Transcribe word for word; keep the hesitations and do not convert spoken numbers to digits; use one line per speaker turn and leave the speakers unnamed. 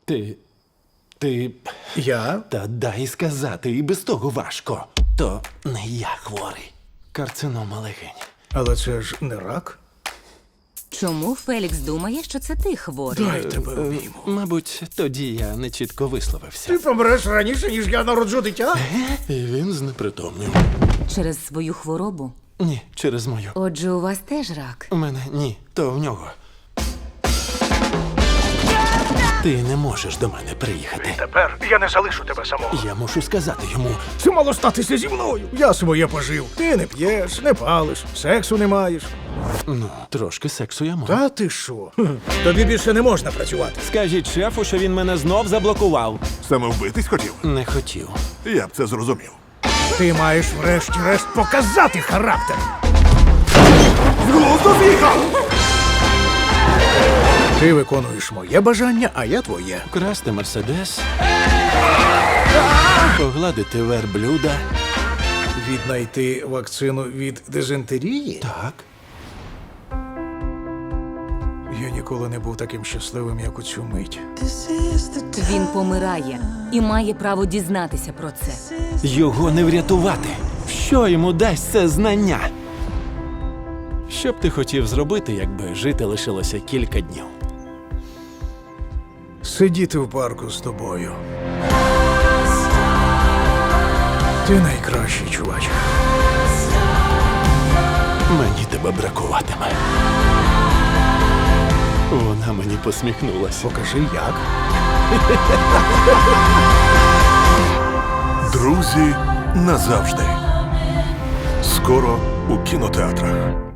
Ти. Ти.
Я?
Та дай сказати, і без того важко. То не я хворий. Карцинома легень.
Але це ж не рак.
Чому Фелікс думає, що це ти хворий?
Дай тебе обійму.
Мабуть, тоді я не чітко висловився.
Ти помреш раніше, ніж я народжу дитя?
І він знепритомнів.
Через свою хворобу?
Ні, через мою.
Отже, у вас теж рак.
У мене ні, то в нього. Ти не можеш до мене приїхати.
Тепер я не залишу тебе самого.
Я мушу сказати йому.
Це мало статися зі мною. Я своє пожив. Ти не п'єш, не палиш, сексу не маєш.
Ну, трошки сексу я можу.
Та ти що? Тобі більше не можна працювати.
Скажіть шефу, що він мене знов заблокував.
Саме вбитись хотів?
Не хотів.
Я б це зрозумів.
Ти маєш врешті-решт показати характер.
З глузду з'їхав!
Ти виконуєш моє бажання, а я твоє.
Красти мерседес. Погладити верблюда.
Віднайти вакцину від дизентерії?
Так.
Я ніколи не був таким щасливим, як у цю мить.
Він помирає і має право дізнатися про це.
Його не врятувати. Що йому дасть це знання? Що б ти хотів зробити, якби жити лишилося кілька днів?
Сидіти в парку з тобою. Ти найкращий, чувач.
Мені тебе бракуватиме. Вона мені посміхнулася.
Покажи, як.
Друзі назавжди. Скоро у кінотеатрах.